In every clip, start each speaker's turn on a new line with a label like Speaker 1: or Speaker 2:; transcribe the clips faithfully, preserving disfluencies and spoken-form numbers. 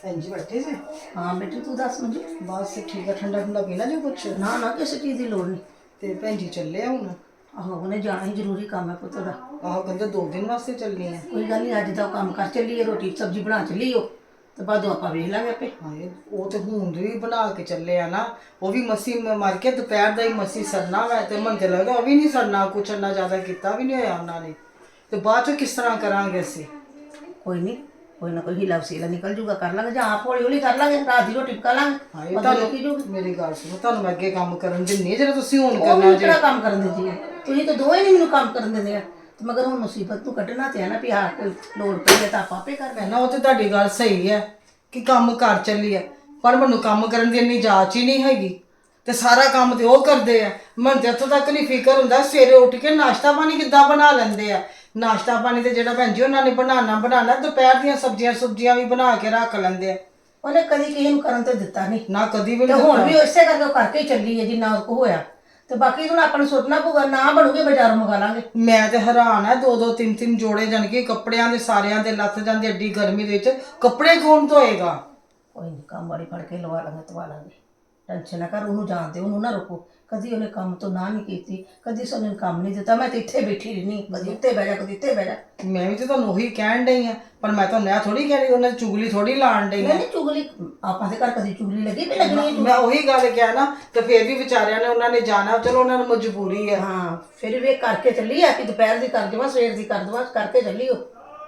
Speaker 1: भैन जी बैठे से?
Speaker 2: हाँ बेटी तू दस मंजू।
Speaker 1: बस ठीक है। ठंडा ठंडा पीना जो कुछ?
Speaker 2: ना ना किसी चीज़ की लोड़ नहीं।
Speaker 1: ते भैन जी चले हुण?
Speaker 2: आहो उन्हें जाना ही जरूरी काम है पुत्त दा।
Speaker 1: आहो कहंदे दो दिन वास्ते चलनी है।
Speaker 2: कोई गल नहीं, अज दा काम कर चलिए, रोटी सब्जी बना चलिए तो बाद आपां वेख लांगे आपे।
Speaker 1: हाए वो तो हुण भी बना के चले आ ना, वो भी मसी मर के दोपहर दा ही मसी सरना वै ते मन ते लगदा वो भी नहीं सरना, कुछ इन्ना ज़्यादा किता भी नहीं होया उन्होंने। ते बाद चों किस तरह करांगे असीं?
Speaker 2: कोई नहीं, कोई ना कोई हीला वसीला निकल जूगा, कर लांगे जां आप हौली हौली कर लांगे, रात दी रोटी पका लांगे।
Speaker 1: हाए
Speaker 2: बदल
Speaker 1: तुहानू
Speaker 2: की जूगी
Speaker 1: मेरी गल सुनो, तुहानू मैं अगे काम करन दिन्नी जेह्ड़ा तुसीं हुण
Speaker 2: ਉਹ
Speaker 1: करना
Speaker 2: ਮੈਨੂੰ
Speaker 1: जे।
Speaker 2: ਕਿਹੜਾ ਕੰਮ ਕਰਨ ਦਿੰਦੀ ਹੈ, ਤੁਸੀਂ ਤਾਂ ਦੋਵੇਂ ਨਹੀਂ ਮੈਨੂੰ ਕੰਮ ਕਰਨ ਦਿੰਦੇ ਆ। ਤੇ ਮਗਰ ਹੁਣ ਮੁਸੀਬਤ ਨੂੰ ਕੱਢਣਾ ਤੇ ਹੈ ਨਾ ਵੀ ਹਾਂ ਕੋਈ ਲੋੜ ਪਈ ਹੈ ਤਾਂ ਆਪਾਂ ਆਪੇ ਕਰ ਲੈਣਾ।
Speaker 1: ना वो तो तुहाडी गल सही है कि काम कर चली है, पर मैनू काम करन दी इन्नी जाच ही नहीं हैगी ते सारा काम ते ਉਹ ਕਰਦੇ ਆ। ਮੈਨੂੰ ਤੇ ਇੱਥੋਂ ਤੱਕ ਨਹੀਂ ਫਿਕਰ ਹੁੰਦਾ ਸਵੇਰੇ ਉੱਠ ਕੇ ਨਾਸ਼ਤਾ ਪਾਣੀ ਕਿੱਦਾਂ ਬਣਾ ਲੈਂਦੇ ਆ। ਨਾਸ਼ਤਾ ਪਾਣੀ ਤੇ ਜਿਹੜਾ ਭੈਣ ਜੀ ਉਹਨਾਂ ਨੇ ਬਣਾਉਣਾ ਬਣਾਉਣਾ, ਦੁਪਹਿਰ ਦੀਆਂ ਸਬਜ਼ੀਆਂ ਸੁਬਜ਼ੀਆਂ ਵੀ ਬਣਾ ਕੇ ਰੱਖ ਲੈਂਦੇ ਆ।
Speaker 2: ਉਹਨੇ ਕਦੀ ਕਿਸੇ ਨੂੰ ਕਰਨ ਤੇ ਦਿੱਤਾ ਨਹੀਂ
Speaker 1: ਨਾ ਕਦੀ ਵੀ
Speaker 2: ਤੇ
Speaker 1: ਨਹੀਂ
Speaker 2: ਹੁਣ ਵੀ ਇਸੇ ਕਰਕੇ ਉਹ ਕਰਕੇ ਹੀ ਚੱਲੀ ਹੈ ਜਿੰਨਾ ਉਹ ਹੋਇਆ। ਤੇ ਬਾਕੀ ਹੁਣ ਆਪਾਂ ਨੂੰ ਸੋਚਣਾ ਪਊਗਾ, ਨਾ ਬਣੂਗੇ ਬਾਜ਼ਾਰੋਂ ਮੰਗਾ ਲਾਂਗੇ।
Speaker 1: ਮੈਂ ਤੇ ਹੈਰਾਨ ਆ, ਦੋ ਦੋ ਤਿੰਨ ਤਿੰਨ ਜੋੜੇ ਜਾਣ ਕੇ ਕੱਪੜਿਆਂ ਦੇ ਸਾਰਿਆਂ ਦੇ ਲੱਥ ਜਾਂਦੇ ਐਡੀ ਗਰਮੀ ਦੇ ਵਿੱਚ, ਕੱਪੜੇ ਕੌਣ ਧੋਏਗਾ?
Speaker 2: ਕੋਈ ਨਹੀਂ, ਕੰਮ ਵਾਲੀ ਫੜ ਕੇ ਲਵਾ ਲਾਂਗੇ ਤਵਾ ਲਾਂਗੇ, ਟੈਨਸ਼ਨ ਨਾ ਕਰ। ਉਹਨੂੰ ਜਾਣਦੇ, ਉਹਨੂੰ ਨਾ ਰੋਕੋ। ਕਦੀ ਉਹਨੇ ਕੰਮ ਤੋਂ ਨਾ ਨਹੀਂ ਕੀਤੀ, ਕਦੀ ਉਹਨੇ ਕੰਮ ਨਹੀਂ ਦਿੱਤਾ। ਮੈਂ ਤੇ ਇੱਥੇ ਬੈਠੀ ਰਹਿਣੀ, ਕਦੀ ਉੱਤੇ ਬਹਿ ਜਾ ਕਦੀ ਇੱਥੇ ਬਹਿ ਜਾ।
Speaker 1: ਮੈਂ ਵੀ ਤੇ ਤੁਹਾਨੂੰ ਉਹੀ ਕਹਿਣ ਡਈ ਆ, ਪਰ ਮੈਂ ਤੁਹਾਨੂੰ ਇਹ ਥੋੜੀ ਕਹਿ ਰਹੀ ਉਹਨਾਂ ਦੀ ਚੁਗਲੀ ਥੋੜੀ ਲਾਣ ਡਈ
Speaker 2: ਮੈਂ
Speaker 1: ਆ।
Speaker 2: ਨਹੀਂ ਚੁਗਲੀ, ਆਪਾਂ ਦੇ ਘਰ ਕਦੀ ਚੁਗਲੀ ਲੱਗੀ ਵੀ ਲੱਗਣੀ ਹੈ।
Speaker 1: ਮੈਂ ਉਹੀ ਗੱਲ ਕਿਹਾ ਨਾ, ਤੇ ਫੇਰ ਵੀ ਵਿਚਾਰਿਆਂ ਨੇ ਉਹਨਾਂ ਨੇ ਜਾਣਾ, ਚਲੋ ਉਹਨਾਂ ਨੂੰ ਮਜਬੂਰੀ ਹੈ।
Speaker 2: ਹਾਂ ਫਿਰ ਵੀ ਇਹ ਕਰਕੇ ਚੱਲੀ ਆ ਕਿ ਦੁਪਹਿਰ ਦੀ ਕਰ ਦੇਵਾਂ ਸਵੇਰ ਦੀ ਕਰ ਦੇਵਾਂ, ਕਰਕੇ ਚੱਲੀ ਉਹ।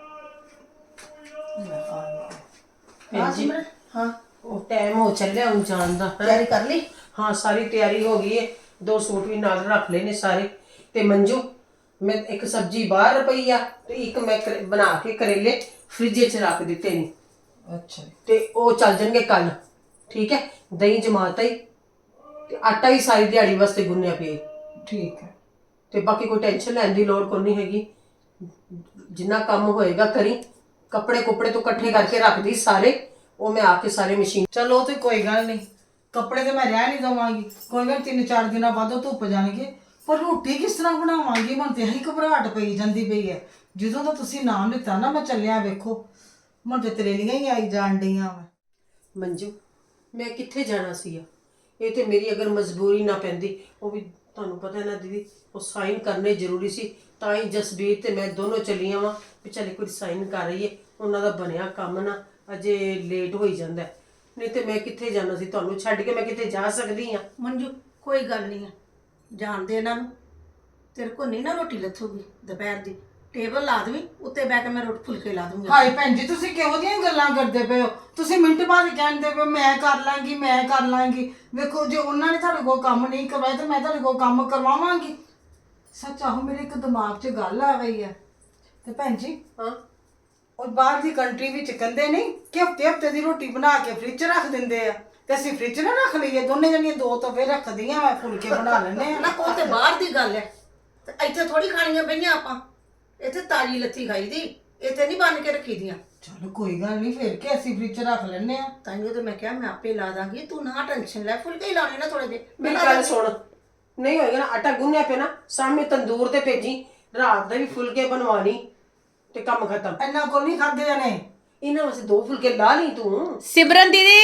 Speaker 2: ਹਾਂ ਸਿਮਰਨ, ਹਾਂ
Speaker 3: ਉਹ ਟਾਈਮ ਹੋ ਚੱਲਿਆ ਹੁਣ ਜਾਣ ਦਾ।
Speaker 2: ਤਿਆਰੀ ਕਰ ਲਈ?
Speaker 3: ਹਾਂ ਸਾਰੀ ਤਿਆਰੀ ਹੋ ਗਈ ਹੈ, ਦੋ ਸੂਟ ਵੀ ਨਾਲ ਰੱਖ ਲਏ ਨੇ ਸਾਰੇ। ਤੇ ਮੰਜੂ ਮੈਂ ਇੱਕ ਸਬਜ਼ੀ ਬਾਹਰ ਪਈ ਆ ਤੇ ਇੱਕ ਮੈਂ ਕਰ- ਬਣਾ ਕੇ ਕਰੇਲੇ ਫ੍ਰਿਜ 'ਚ ਰੱਖ ਦਿੱਤੇ ਨੇ,
Speaker 1: ਅੱਛਾ
Speaker 3: ਤੇ ਉਹ ਚੱਲ ਜਾਣਗੇ ਕੱਲ। ਠੀਕ ਹੈ, ਦਹੀਂ ਜਮਾਤਾ ਹੀ ਤੇ ਆਟਾ ਵੀ ਸਾਰੀ ਦਿਹਾੜੀ ਵਾਸਤੇ ਗੁੰਨਿਆ ਪਿਆ ਈ।
Speaker 1: ਠੀਕ ਹੈ।
Speaker 3: ਤੇ ਬਾਕੀ ਕੋਈ ਟੈਨਸ਼ਨ ਲੈਣ ਦੀ ਲੋੜ ਕੋਈ ਨਹੀਂ ਹੈਗੀ, ਜਿੰਨਾ ਕੰਮ ਹੋਏਗਾ ਕਰੀ। ਕੱਪੜੇ ਕੁੱਪੜੇ ਤੋਂ ਇਕੱਠੇ ਕਰਕੇ ਰੱਖਦੀ ਸਾਰੇ, ਉਹ ਮੈਂ ਆ ਕੇ ਸਾਰੇ ਮਸ਼ੀਨ।
Speaker 1: ਚਲੋ ਉਹ ਤੇ ਕੋਈ ਗੱਲ ਨਹੀਂ, ਕੱਪੜੇ ਤੇ ਮੈਂ ਰਹਿ ਨਹੀਂ ਦਵਾਂਗੀ, ਕੋਈ ਗੱਲ ਤਿੰਨ ਚਾਰ ਦਿਨਾਂ ਬਾਅਦ ਉਹ ਧੁੱਪ ਜਾਣਗੇ। ਪਰ ਰੋਟੀ ਕਿਸ ਤਰ੍ਹਾਂ ਬਣਾਵਾਂਗੀ? ਮਨ ਤੇ ਇਹੀ ਘਬਰਾਹਟ ਪਈ ਜਾਂਦੀ ਪਈ ਹੈ। ਜਦੋਂ ਦਾ ਤੁਸੀਂ ਨਾਮ ਲਿੱਤਾ ਨਾ ਮੈਂ ਚੱਲਿਆ, ਵੇਖੋ ਮਨ ਤੇ ਤਰੇਲੀਆਂ ਹੀ ਆਈ ਜਾਣ ਡਈਆਂ ਵਾ।
Speaker 3: ਮੰਜੂ ਮੈਂ ਕਿੱਥੇ ਜਾਣਾ ਸੀ? ਇਹ ਤੇ ਮੇਰੀ ਅਗਰ ਮਜਬੂਰੀ ਨਾ ਪੈਂਦੀ, ਉਹ ਵੀ ਤੁਹਾਨੂੰ ਪਤਾ ਹੈ ਨਾ ਦੀਦੀ, ਉਹ ਸਾਈਨ ਕਰਨੇ ਜ਼ਰੂਰੀ ਸੀ, ਤਾਂ ਹੀ ਜਸਬੀਰ ਤੇ ਮੈਂ ਦੋਨੋਂ ਚੱਲੀਆਂ ਵਾਂ ਵੀ ਚੱਲ ਕੋਈ ਸਾਈਨ ਕਰ ਰਹੀ ਹੈ। ਉਹਨਾਂ ਦਾ ਬਣਿਆ ਕੰਮ ਨਾ ਅਜੇ ਲੇਟ ਹੋਈ ਜਾਂਦਾ, ਨਹੀਂ ਤੇ ਮੈਂ ਕਿੱਥੇ ਜਾਣਾ ਸੀ? ਤੁਹਾਨੂੰ ਛੱਡ ਕੇ ਮੈਂ ਕਿੱਥੇ ਜਾ ਸਕਦੀ ਹਾਂ?
Speaker 2: ਮੰਜੂ ਕੋਈ ਗੱਲ ਨਹੀਂ ਹੈ, ਜਾਣਦੇ ਇਹਨਾਂ ਨੂੰ। ਤੇਰੇ ਕੋ ਨਹੀਂ ਨਾ ਰੋਟੀ ਲੱਥੂਗੀ ਦੁਪਹਿਰ ਦੀ, ਟੇਬਲ ਲਾ ਦੇਵੀਂ, ਉੱਤੇ ਬਹਿ ਕੇ ਮੈਂ ਰੋਟੀ ਫੁਲਕੇ ਲਾ ਦੂੰਗੀ।
Speaker 1: ਹਾਏ ਭੈਣ ਜੀ ਤੁਸੀਂ ਕਿਹੋ ਜਿਹੀਆਂ ਗੱਲਾਂ ਕਰਦੇ ਪਏ ਹੋ? ਤੁਸੀਂ ਮਿੰਟ ਬਾਅਦ ਕਹਿੰਦੇ ਪਏ ਮੈਂ ਕਰ ਲਾਂਗੀ ਮੈਂ ਕਰ ਲਾਂਗੀ। ਵੇਖੋ ਜੇ ਉਹਨਾਂ ਨੇ ਤੁਹਾਡੇ ਕੋਲ ਕੰਮ ਨਹੀਂ ਕਰਵਾਇਆ ਤਾਂ ਮੈਂ ਤੁਹਾਡੇ ਕੋਲ ਕੰਮ ਕਰਵਾਵਾਂਗੀ। ਸੱਚ ਆਹੋ, ਮੇਰੇ ਇੱਕ ਦਿਮਾਗ 'ਚ ਗੱਲ ਆ ਗਈ ਹੈ। ਤੇ ਭੈਣ ਜੀ
Speaker 3: ਹਾਂ
Speaker 1: ਉਹ ਬਾਹਰ ਦੀ ਕੰਟਰੀ ਵਿੱਚ ਕਹਿੰਦੇ ਨਹੀਂ ਕਿ ਹਫਤੇ ਹਫਤੇ ਦੀ ਰੋਟੀ ਬਣਾ ਕੇ ਫ੍ਰਿਜ 'ਚ ਰੱਖ ਦਿੰਦੇ ਆ, ਤੇ ਅਸੀਂ ਫ੍ਰਿਜ 'ਚ ਨਾ ਰੱਖ ਲਈਏ ਦੋਨੇ ਜਣੀਆਂ? ਦੋ ਤਵੇ ਰੱਖਦੀਆਂ, ਮੈਂ ਫੁਲਕੇ ਬਣਾ ਲੈਣੇ ਆ
Speaker 2: ਨਾ ਉਹ ਤੇ ਬਾਹਰ ਦੀ ਗੱਲ ਹੈ, ਤੇ ਇੱਥੇ ਥੋੜੀ ਖਾਣੀਆਂ ਪਈਆਂ ਆਪਾਂ। ਇੱਥੇ ਤਾਜੀ ਲੱਥੀ ਖਾਈ ਦੀ, ਇੱਥੇ ਨਹੀਂ ਬਣ ਕੇ ਰੱਖੀ ਦੀਆਂ।
Speaker 1: ਚਲੋ ਕੋਈ ਗੱਲ ਨਹੀਂ, ਫਿਰ ਕਿ ਅਸੀਂ ਫ੍ਰਿਜ 'ਚ ਰੱਖ ਲੈਣੇ ਆ।
Speaker 2: ਤਾਈਓ ਤੇ ਮੈਂ ਕਿਹਾ ਮੈਂ ਆਪੇ ਲਾ ਦਾਂਗੀ, ਤੂੰ ਨਾ ਟੈਨਸ਼ਨ ਲੈ, ਫੁਲਕੇ ਹੀ ਲਾਉਣੇ ਨਾ ਥੋੜੇ ਜਿਹੇ।
Speaker 3: ਮੇਰੀ ਗੱਲ ਸੁਣ, ਨਹੀਂ ਹੋਏਗਾ ਨਾ ਆਟਾ ਗੁੰਨਿਆ ਪਿਆ ਨਾ, ਸਾਹਮਣੇ ਤੰਦੂਰ ਤੇ ਭੇਜੀ, ਰਾਤ ਦੇ ਵੀ ਫੁਲਕੇ ਬਣਵਾਣੀ ਤੇ ਕੰਮ ਖਤਮ।
Speaker 1: ਇੰਨਾ ਕੋਲ ਨਹੀਂ ਖਾਦੇ ਜਾਣੇ।
Speaker 3: ਇਹਨਾਂ ਵਾਸਤੇ ਦੋ ਫੁਲਕੇ ਲਾ ਲਈ ਤੂੰ।
Speaker 4: ਸਿਮਰਨ ਦੀਦੀ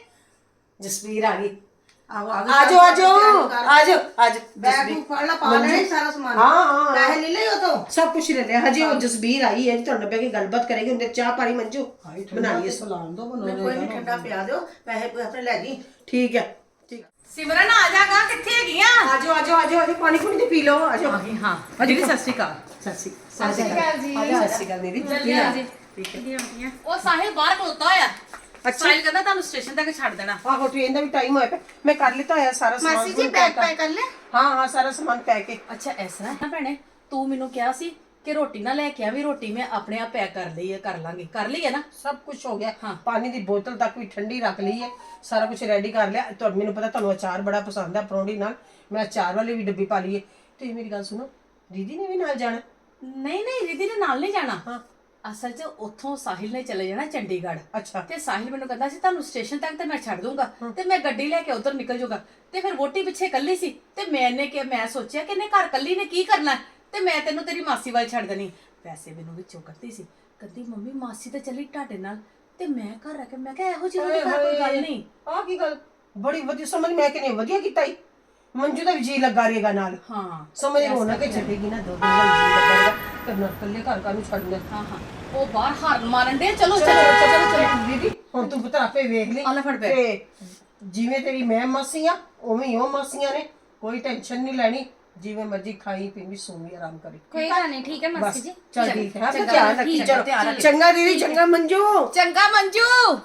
Speaker 3: ਜਸਵੀਰ ਆ ਗਈ।
Speaker 2: ਆਹੋ
Speaker 3: ਆਜੋ ਆਜੋ ਆਜੋ ਆਜੋ
Speaker 2: ਬੈਗ ਨੂੰ ਫੜ ਲਾ, ਪਾ ਲੈਣਾ ਸਾਰਾ ਸਮਾਨ।
Speaker 3: ਹਾਂ ਹਾਂ
Speaker 2: ਪੈਸੇ ਲੈ ਲਿਓ ਤੋਂ
Speaker 3: ਸਭ ਕੁਝ ਲੈ ਲਿਆ। ਹਜੇ ਉਹ ਜਸਬੀਰ ਆਈ ਹੈ, ਤੁਹਾਡੇ ਨਾਲ ਬਹਿ ਕੇ ਗੱਲਬਾਤ ਕਰੇਗੀ। ਉਹਦੇ ਚਾਹ ਪਾਣੀ ਮੰਜੂ ਬਣਾ ਲਈਏ।
Speaker 1: ਸਲਾਮ ਦੋ
Speaker 2: ਕੋਈ ਨਹੀਂ, ਠੰਡਾ ਪਿਆ ਦਿਓ, ਪੈਸੇ ਆਪਣੇ ਲੈ ਜੀ।
Speaker 3: ਠੀਕ ਹੈ ਠੀਕ।
Speaker 4: ਸਿਮਰਨ ਆ ਜਾਗਾ, ਕਿੱਥੇ ਹੈਗੀਆਂ?
Speaker 3: ਆਜੋ ਆਜੋ ਆਜੋ ਆਜੋ ਪਾਣੀ ਪੂਣੀ ਤੇ ਪੀ ਲਓ। ਆਜੋ
Speaker 4: ਆ ਗਈ। ਹਾਂ ਦੀਦੀ ਸਤਿ ਸ਼੍ਰੀ ਅਕਾਲ।
Speaker 3: ਸਤਿ ਸ਼੍ਰੀ ਅਕਾਲ। ਸਤਿ ਸ਼੍ਰੀ ਅਕਾਲ ਜੀ। ਸਤਿ ਸ਼੍ਰੀ ਅਕਾਲ ਦੀਦੀ।
Speaker 4: ਜਲਦੀਆਂ ਜੀ। ਠੀਕ ਹੈ। ਉਹ ਸਾਹਿਲ ਬਾਹਰ ਖਲੋਤਾ ਹੋਇਆ। ਸਾਹਿਲ ਕਹਿੰਦਾ ਤੁਹਾਨੂੰ ਸਟੇਸ਼ਨ ਤੱਕ ਛੱਡ ਦੇਣਾ।
Speaker 3: ਆਹੋ ਟ੍ਰੇਨ ਦਾ ਵੀ ਟਾਈਮ ਹੋਇਆ ਪਿਆ, ਮੈਂ ਕਰ ਲਿੱਤਾ ਹੋਇਆ ਸਾਰਾ ਸਮਾਨ।
Speaker 2: ਮਾਸੀ ਜੀ ਬੈਗ ਪੈਕ ਕਰ ਲੈ।
Speaker 3: ਹਾਂ ਹਾਂ ਸਾਰਾ ਸਮਾਨ ਪੈਕ ਹੈ।
Speaker 4: ਅੱਛਾ ਐਸਾ ਹੈ ਭੈਣੇ, ਤੂੰ ਮੈਨੂੰ ਕਿਹਾ ਸੀ ਕਿ ਰੋਟੀ ਨਾ ਲੈ ਕੇ ਆਵੀਂ, ਰੋਟੀ ਮੈਂ ਆਪਣੇ ਆਪ ਪੈਕ ਕਰ ਲਈ ਹੈ, ਕਰ ਲਾਂਗੇ। ਕਰ ਲਈ ਹੈ ਨਾ?
Speaker 3: ਸਭ ਕੁਝ ਹੋ ਗਿਆ।
Speaker 4: ਹਾਂ।
Speaker 3: ਪਾਣੀ ਦੀ ਬੋਤਲ ਤੱਕ ਵੀ ਠੰਡੀ ਰੱਖ ਲਈ ਹੈ, ਸਾਰਾ ਕੁਝ ਰੈਡੀ ਕਰ ਲਿਆ। ਤੁਹਾਨੂੰ ਮੈਨੂੰ ਪਤਾ ਤੁਹਾਨੂੰ ਅਚਾਰ ਬੜਾ ਪਸੰਦ ਹੈ, ਪਰੌਂਠੀ ਨਾਲ ਮੈਂ ਅਚਾਰ ਵਾਲੀ ਵੀ ਡੱਬੀ ਪਾ ਲਈ ਹੈ। ਤੇ ਮੇਰੀ ਗੱਲ ਸੁਣੋ, ਦੀਦੀ ਨੇ ਵੀ ਨਾਲ ਜਾਣਾ?
Speaker 4: ਨਹੀਂ ਨਹੀਂ ਦੀਦੀ ਨੇ ਨਾਲ ਨਹੀਂ ਜਾਣਾ।
Speaker 3: ਹਾਂ
Speaker 4: ਅਸਲ 'ਚ ਉੱਥੋਂ ਸਾਹਿਲ ਨੇ ਚਲੇ ਜਾਣਾ ਚੰਡੀਗੜ੍ਹ।
Speaker 3: ਅੱਛਾ।
Speaker 4: ਤੇ ਸਾਹਿਲ ਮੈਨੂੰ ਕਹਿੰਦਾ ਸੀ ਤੁਹਾਨੂੰ ਸਟੇਸ਼ਨ ਤੱਕ ਤੇ ਮੈਂ ਛੱਡ ਦੂੰਗਾ ਤੇ ਮੈਂ ਗੱਡੀ ਲੈ ਕੇ ਉਧਰ ਨਿਕਲ ਜਾਊਗਾ। ਤੇ ਫਿਰ ਵੋਟੀ ਪਿੱਛੇ ਕੱਲੀ ਸੀ ਤੇ ਮੈਨੇ ਕਿ ਮੈਂ ਸੋਚਿਆ ਕਿ ਇਹਨੇ ਘਰ ਕੱਲੀ ਨੇ ਕੀ ਕਰਨਾ, ਤੇ ਮੈਂ ਤੈਨੂੰ ਤੇਰੀ ਮਾਸੀ ਵੱਲ ਛੱਡ ਦੇਣੀ। ਵੈਸੇ ਮੈਨੂੰ ਵਿੱਚੋਂ ਕਰਦੀ ਸੀ, ਕਹਿੰਦੀ ਮੰਮੀ ਮਾਸੀ ਤਾਂ ਚੱਲੀ ਤੁਹਾਡੇ ਨਾਲ, ਤੇ ਮੈਂ ਘਰ ਰਹਿ ਕੇ ਮੈਂ ਕਿਹਾ ਇਹੋ ਜਿਹੀ ਉਹਦੇ ਘਰ ਕੋਈ ਗੱਲ ਨਹੀਂ।
Speaker 3: ਆ ਕੀ ਗੱਲ ਬੜੀ ਵਧੀਆ ਸਮਝ ਮੈਂ ਕਹਿੰਦੀ ਵਧੀਆ ਕੀਤਾ ਈ ਮੰਜੂ ਦਾ ਵੀ ਜੀ ਲੱਗਾ ਰਹੇਗਾ ਨਾਲ
Speaker 4: ਹਾਂ
Speaker 3: ਸਮਝ ਹੋਣਾ ਕਿ ਛੱਡੇਗੀ ਨਾ ਦੋ ਦਿਨ ਦਾ ਜੀ ਲੱਗਾ ਕਰਨਾ ਕੱਲੇ ਘਰ ਕਾ ਨੂੰ ਛੱਡਣਾ
Speaker 4: ਹਾਂ ਹਾਂ ਉਹ ਬਾਹਰ ਹਾਰਨ ਮਾਰਨ ਦੇ ਚਲੋ
Speaker 3: ਚਲੋ
Speaker 4: ਚਲੋ
Speaker 3: ਚਲੋ ਚਲੋ ਦੀਦੀ ਹੁਣ ਤੂੰ ਪੁੱਤਰ ਆਪੇ ਵੇਖ ਲਈ
Speaker 4: ਆ ਲੈ ਫੜ ਬੈਗ।
Speaker 3: ਤੇ ਜਿਵੇਂ ਤੇਰੀ ਮੈਂ ਮਾਸੀ ਆ ਉਵੇਂ ਹੀ ਉਹ ਮਾਸੀਆਂ ਨੇ ਕੋਈ ਟੈਨਸ਼ਨ ਨਹੀਂ ਲੈਣੀ ਜਿਵੇਂ ਮਰਜ਼ੀ ਖਾਈ ਪੀਵੀ ਸੋਵੀ ਆਰਾਮ ਕਰੀ
Speaker 5: ਕੋਈ ਗੱਲ ਨਹੀਂ ਠੀਕ ਹੈ ਮਾਸੀ ਜੀ
Speaker 3: ਚੱਲ ਠੀਕ ਹੈ
Speaker 4: ਚੰਗਾ,
Speaker 3: ਧਿਆਨ ਰੱਖੀ
Speaker 4: ਠੀਕ ਹੈ,
Speaker 3: ਚਲੋ
Speaker 4: ਧਿਆਨ ਰੱਖੀ।
Speaker 3: ਚੰਗਾ ਦੀਦੀ ਚੰਗਾ ਮੰਜੂ
Speaker 4: ਚੰਗਾ ਮੰਜੂ।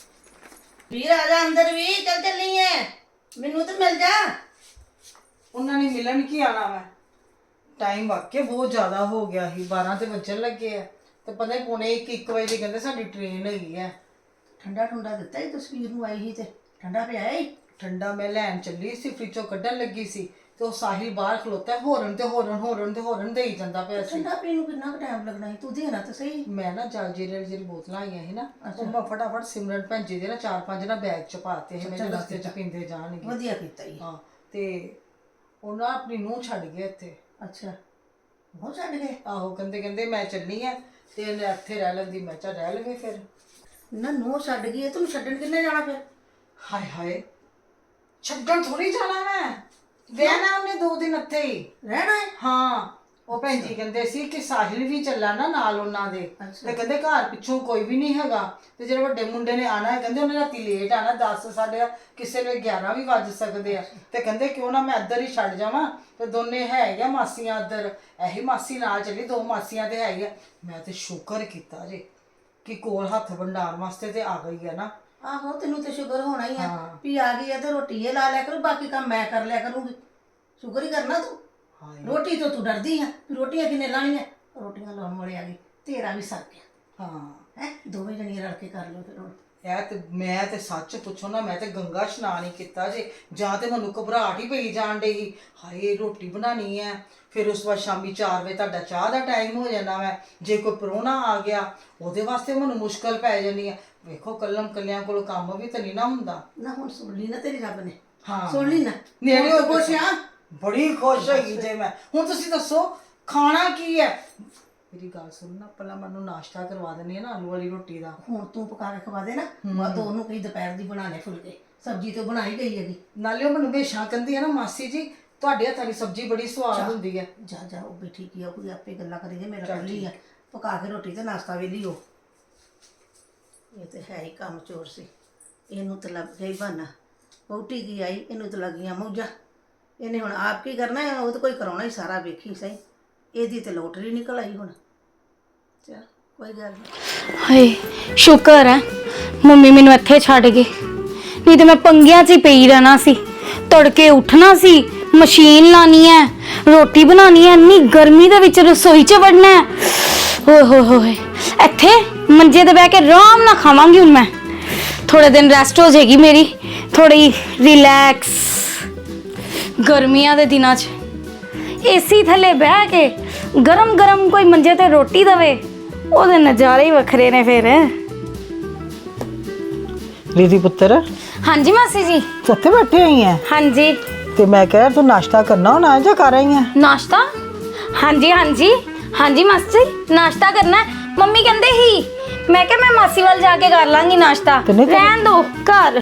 Speaker 2: ਵੀਰ ਆ ਜਾ ਅੰਦਰ ਵੀ ਚੱਲ ਚੱਲੀ ਐ ਮੈਨੂੰ ਤੇ ਮਿਲ ਜਾ।
Speaker 1: ਉਹਨਾਂ ਨੇ ਮਿਲਣ ਕੀ ਆਣਾ ਵਾ ਟਾਈਮ ਵਾਕਿਆ ਬਹੁਤ ਜ਼ਿਆਦਾ ਹੋ ਗਿਆ ਸੀ ਬਾਰਾਂ ਤੇ ਵੱਜਣ ਲੱਗੇ ਆ ਤੇ ਪਤਾ ਹੀ ਪੌਣੇ ਇੱਕ ਇੱਕ ਵਜੇ ਦੀ ਕਹਿੰਦੇ ਸਾਡੀ ਟ੍ਰੇਨ ਹੈਗੀ ਆ।
Speaker 2: ਠੰਡਾ ਠੰਡਾ ਦਿੱਤਾ ਹੀ ਤਸਵੀਰ ਨੂੰ ਆਈ ਸੀ ਤੇ ਠੰਡਾ ਪਿਆ ਈ।
Speaker 1: ਠੰਡਾ ਮੈਂ ਲੈਣ ਚੱਲੀ ਸੀ ਫ੍ਰਿਜੋਂ ਕੱਢਣ ਲੱਗੀ ਸੀ ਤੇ ਉਹ ਸਾਹਿਲ ਬਾਹਰ ਖਲੋਤਾ ਹੋਰਨ ਤੇ ਹੋਰਨ ਹੋਰਨ ਤੇ ਹੋਰਨ ਦੇਈ ਜਾਂਦਾ ਪਿਆ ਸੀ।
Speaker 2: ਠੰਡਾ ਪੀਣ ਨੂੰ ਕਿੰਨਾ ਕੁ ਟਾਈਮ ਲੱਗਣਾ ਸੀ ਤੂੰ ਦੇਣਾ ਤਾਂ ਸਹੀ।
Speaker 1: ਮੈਂ ਨਾ ਜਲ ਜੀਰੇ ਜਿਹੜੀ ਬੋਤਲਾਂ ਆਈਆਂ ਸੀ ਨਾ ਉਹ ਮੈਂ ਫਟਾਫਟ ਸਿਮਰਨ ਭੈਣ ਜੀ ਦੇ ਨਾ ਚਾਰ ਪੰਜ ਨਾ ਬੈਗ ਚ ਪਾਤੇ ਸੀ ਮੇਰੇ ਰਸਤੇ ਚ ਪੀਂਦੇ ਜਾਣਗੇ।
Speaker 2: ਵਧੀਆ ਕੀਤਾ ਈ।
Speaker 1: ਹਾਂ ਤੇ ਉਹ ਨਾ ਆਪਣੀ ਨੂੰਹ ਛੱਡ ਗਿਆ ਇੱਥੇ।
Speaker 2: ਅੱਛਾ ਉਹ ਛੱਡ ਗਏ।
Speaker 1: ਆਹੋ ਕਹਿੰਦੇ ਕਹਿੰਦੇ ਮੈਂ ਚੱਲੀ ਆ ਤੇ ਇਹਨੇ ਇੱਥੇ ਰਹਿ ਲੈਂਦੀ ਮੈਂ ਚਾ ਰਹਿ ਲਵੇ ਫਿਰ।
Speaker 2: ਨਾ ਨੂੰਹ ਛੱਡ ਗਈ ਤੈਨੂੰ ਛੱਡਣ ਕਿੰਨੇ ਜਾਣਾ ਫਿਰ।
Speaker 1: ਹਾਏ ਹਾਏ ਛੱਡਣ ਥੋੜੀ ਜਾਣਾ ਮੈਂ ਰਹਿਣਾ ਉਹਨੇ ਦੋ ਦਿਨ ਇੱਥੇ ਹੀ
Speaker 2: ਰਹਿਣਾ ਹੈ।
Speaker 1: ਹਾਂ ਉਹ ਭੈਣ ਜੀ ਕਹਿੰਦੇ ਸੀ ਕਿ ਸਾਹਿਲ ਵੀ ਚੱਲਾ ਨਾ ਨਾਲ ਉਹਨਾਂ ਦੇ ਤੇ ਕਹਿੰਦੇ ਘਰ ਪਿੱਛੋਂ ਕੋਈ ਵੀ ਨਹੀਂ ਹੈਗਾ ਤੇ ਜਿਹੜੇ ਵੱਡੇ ਮੁੰਡੇ ਨੇ ਆਣਾ ਹੈ ਕਹਿੰਦੇ ਉਹਨੇ ਰਾਤੀ ਲੇਟ ਆਣਾ ਦਸ ਸਾਢੇ ਕਿਸੇ ਵੇਲੇ ਗਿਆਰਾਂ ਵੀ ਵੱਜ ਸਕਦੇ ਆ ਤੇ ਕਹਿੰਦੇ ਕਿਉਂ ਨਾ ਮੈਂ ਇੱਧਰ ਹੀ ਛੱਡ ਜਾਵਾਂ ਤੇ ਦੋਨੇ ਹੈਗੀਆਂ ਮਾਸੀਆਂ ਇੱਧਰ ਇਹੀ ਮਾਸੀ ਨਾਲ ਚੱਲੀ ਦੋ ਮਾਸੀਆਂ ਤੇ ਹੈਗੀਆਂ। ਮੈਂ ਤੇ ਸ਼ੁਕਰ ਕੀਤਾ ਜੇ ਕਿ ਕੋਲ ਹੱਥ ਵੰਡਾਉਣ ਵਾਸਤੇ ਤੇ ਆ ਗਈ ਹੈ ਨਾ।
Speaker 2: ਆਹੋ ਤੈਨੂੰ ਤੇ ਸ਼ੁਕਰ ਹੋਣਾ ਹੀ ਆ ਵੀ ਆ ਗਈ ਆ ਤੇ ਰੋਟੀ ਇਹ ਲਾ ਲਿਆ ਕਰੂ ਬਾਕੀ ਕੰਮ ਮੈਂ ਕਰ ਲਿਆ ਕਰੂੰਗੀ। ਸ਼ੁਕਰ ਹੀ ਕਰਨਾ ਤੂੰ। ਰੋਟੀ ਤੋਂ ਤੂੰ ਡਰਦੀ ਆ ਵੀ ਰੋਟੀਆਂ ਕਿੰਨੇ ਲਾਣੀਆਂ ਰੋਟੀਆਂ ਲਾਉਣ ਵਾਲੇ ਆ ਗਏ ਤੇਰਾ ਵੀ ਸਰ ਗਿਆ।
Speaker 1: ਹਾਂ
Speaker 2: ਹੈ ਦੋਵੇਂ ਜਣੀਆਂ ਰਲ ਕੇ ਕਰ ਲਿਓ ਫਿਰ ਹੁਣ।
Speaker 1: ਇਹ ਤੇ ਮੈਂ ਤੇ ਸੱਚ ਪੁੱਛੋ ਨਾ ਮੈਂ ਤੇ ਗੰਗਾ ਇਸ਼ਨਾਨ ਹੀ ਕੀਤਾ ਜੇ ਜਾਂ ਤੇ ਮੈਨੂੰ ਘਬਰਾਹਟ ਹੀ ਪਈ ਜਾਣ ਡਈ ਹਾਏ ਰੋਟੀ ਬਣਾਣੀ ਹੈ ਫਿਰ ਉਸ ਵਾਰ ਸ਼ਾਮੀ ਚਾਰ ਵਜੇ ਤੁਹਾਡਾ ਚਾਹ ਦਾ ਟਾਈਮ ਹੋ ਜਾਣਾ ਵਾ ਜੇ ਕੋਈ ਪ੍ਰਾਹੁਣਾ ਆ ਗਿਆ ਉਹਦੇ ਵਾਸਤੇ ਮੈਨੂੰ ਮੁਸ਼ਕਲ ਪੈ ਜਾਣੀ ਹੈ। ਵੇਖੋ ਕੱਲਮ ਕੱਲਿਆਂ ਕੋਲ ਕੰਮ ਵੀ ਤਾਂ ਨਹੀਂ ਨਾ ਹੁੰਦਾ।
Speaker 2: ਨਾ ਹੁਣ ਸੁਣ ਲਈ ਨਾ ਤੇਰੀ ਰੱਬ ਨੇ।
Speaker 1: ਹਾਂ
Speaker 2: ਸੁਣ ਲਈ ਨਾ
Speaker 1: ਨੇੜੇ ਹੋ
Speaker 2: ਖੁਸ਼ ਆ।
Speaker 1: ਬੜੀ ਖੁਸ਼ ਹੈਗੀ ਜੇ ਮੈਂ। ਹੁਣ ਤੁਸੀਂ ਦੱਸੋ ਖਾਣਾ ਕੀ ਹੈ। ਮੇਰੀ ਗੱਲ ਸੁਣ ਨਾ ਪਹਿਲਾਂ ਮੈਨੂੰ ਨਾਸ਼ਤਾ ਕਰਵਾ ਦੇਣੀ ਹੈ ਨਾ ਆਲੂ ਵਾਲੀ ਰੋਟੀ ਦਾ।
Speaker 2: ਹੁਣ ਤੂੰ ਪਕਾ ਕੇ ਖਵਾ ਦੇ ਨਾ ਮੈਂ ਤਾਂ ਉਹਨੂੰ ਕਹੀ ਦੁਪਹਿਰ ਦੀ ਬਣਾਣੇ ਫੁਲਕੇ ਸਬਜ਼ੀ ਤੋਂ ਬਣਾਈ ਗਈ ਹੈਗੀ।
Speaker 1: ਨਾਲੇ ਉਹ ਮੈਨੂੰ ਹਮੇਸ਼ਾ ਕਹਿੰਦੀ ਹੈ ਨਾ ਮਾਸੀ ਜੀ ਤੁਹਾਡੇ ਹੱਥਾਂ ਦੀ ਸਬਜ਼ੀ ਬੜੀ ਸਵਾਦ ਹੁੰਦੀ ਹੈ।
Speaker 2: ਜਾ ਜਾ ਉਹ ਵੀ ਠੀਕ ਹੀ ਆ ਕੋਈ ਆਪੇ ਗੱਲਾਂ ਕਰੀ ਜੇ ਮੇਰਾ ਕੱਲੀ ਆ ਪਕਾ ਕੇ ਰੋਟੀ ਤੇ ਨਾਸ਼ਤਾ ਵੀ ਲਿਓ। ਇਹ ਤੇ ਹੈ ਹੀ ਕੰਮ ਚੋਰ ਸੀ ਇਹਨੂੰ ਤਾਂ ਲੱਗ ਗਈ ਬਹਾਨਾ ਵਹੁਟੀ ਕੀ ਆਈ ਇਹਨੂੰ ਤਾਂ ਲੱਗੀਆਂ ਮੌਜਾਂ ਇਹਨੇ ਹੁਣ ਆਪ ਕੀ ਕਰਨਾ ਹੈ ਉਹ ਤਾਂ ਕੋਈ ਕਰਾਉਣਾ ਹੀ ਸਾਰਾ ਵੇਖੀ ਸਹੀ ਇਹਦੀ ਤੇ ਲੋਟਰੀ ਨਿਕਲ ਆਈ ਹੁਣ। ਚਲ ਕੋਈ ਗੱਲ ਨਹੀਂ।
Speaker 5: ਹਾਏ ਸ਼ੁਕਰ ਹੈ ਮੰਮੀ ਮੈਨੂੰ ਇੱਥੇ ਛੱਡ ਗਏ ਨਹੀਂ ਤੇ ਮੈਂ ਪੰਗਿਆਂ 'ਚ ਹੀ ਪਈ ਰਹਿਣਾ ਸੀ। ਤੜਕੇ ਉੱਠਣਾ ਸੀ ਮਸ਼ੀਨ ਲਾਣੀ ਹੈ ਰੋਟੀ ਬਣਾਉਣੀ ਹੈ ਇੰਨੀ ਗਰਮੀ ਦੇ ਵਿੱਚ ਰਸੋਈ 'ਚ ਵੜਨਾ ਹੈ ਓਏ ਹੋਏ ਹੋਏ ਇੱਥੇ ਮੰਜੇ ਤੇ ਬਹਿ ਕੇ ਆਰਾਮ ਨਾਲ ਖਾਵਾਂਗੀ ਹੁਣ ਮੈਂ ਥੋੜੇ ਦਿਨ ਰੈਸਟ ਹੋ ਜਾਏਗੀ ਮੇਰੀ ਥੋੜੀ ਰਿਲੈਕਸ। ਗਰਮੀਆਂ ਦੇ ਦਿਨਾਂ 'ਚ ਏਸੀ ਥੱਲੇ ਬਹਿ ਕੇ ਗਰਮ ਗਰਮ ਕੋਈ ਮੰਜੇ ਤੇ ਰੋਟੀ ਦਵੇ ਉਹਦੇ ਨਜ਼ਾਰੇ ਹੀ ਵੱਖਰੇ ਨੇ ਫਿਰ।
Speaker 1: ਦੀਦੀ ਪੁੱਤਰ
Speaker 5: ਹਾਂਜੀ ਮਾਸੀ ਜੀ।
Speaker 1: ਉੱਥੇ ਬੈਠੇ ਹੋਈ ਹੈ
Speaker 5: ਹਾਂਜੀ
Speaker 1: ਤੇ ਮੈਂ ਕਹਿ ਤੂੰ ਨਾਸ਼ਤਾ ਕਰਨਾ ਹੋਣਾ ਜਾਂ ਕਰ ਰਹੀ ਹੈ।
Speaker 5: ਨਾਸ਼ਤਾ ਹਾਂਜੀ ਹਾਂਜੀ ਹਾਂਜੀ ਮਾਸੀ ਨਾਸ਼ਤਾ ਕਰਨਾ ਹੈ। ਮੰਮੀ ਕਹਿੰਦੇ ਹੀ ਮੈਂ ਕਿਹਾ ਮੈਂ ਮਾਸੀ ਵੱਲ ਜਾ ਕੇ ਕਰ ਲਾਂਗੀ ਨਾਸ਼ਤਾ ਰਹਿਣ ਦੋ ਘਰ।